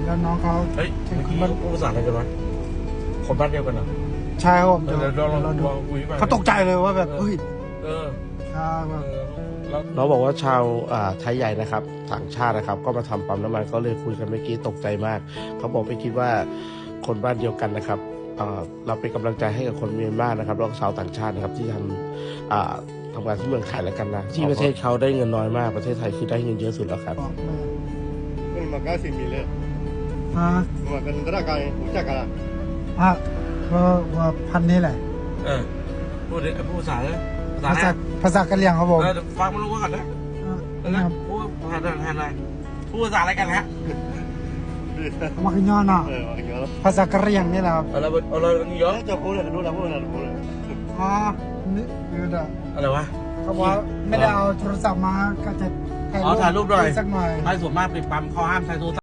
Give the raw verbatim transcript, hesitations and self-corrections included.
แล้วน้องเขาเฮ้ยเมื่อกี้พูดภาษาอะไรกันวะคนบ้านเดียวกันเหรอใช่ครับผมเดี๋ยวเราลองลองคุยไปเขาตกใจเลยว่าแบบเฮ้ยเอออ่าแบบน้องบอกว่าชาวไทยใหญ่นะครับต่างชาตินะครับก็มาทำปั๊มน้ำมันก็เลยคุยกันเมื่อกี้ตกใจมากเขาบอกไม่คิดว่าคนบ้านเดียวกันนะครับเราเป็นกำลังใจให้กับคนเมียนมานะครับแล้วก็ชาวต่างชาตินะครับที่ทำทำงานที่เมืองไทยแล้วกันนะที่ประเทศเขาได้เงินน้อยมากประเทศไทยคือได้เงินเยอะสุดแล้วครับ Terima kasih Mile. อ่า Makan negara kali, ucap kalah. อ่ะว่าว่าพันนี้แหละเออพูดดิพูดภาษาเลยภาภาษาษาภาษากะเหรี่ยงครับผมเออฟังมันรู้ก่อนนะอ่าเออพูดภาษาแทนอะไรพูดภาษาอะไรกันฮะมาขึ้นย้อนเนาะ Eh, makanya lah. ภาษากะเหรี่ยงนี่แหละครับอะไรอะไรเยอะ Eh, jauh boleh, kedua dah boleh, boleh. อ๋อนี่เออเด้ออะไรวะเขาบอกว่าไม่ได้เอาโทรศัพท์มาก็จะอ๋อถ่ายรูปหน่อยสักหน่อยไม่ส่วนมากปิดปั๊มเขาห้ามใช้โทรศัพท์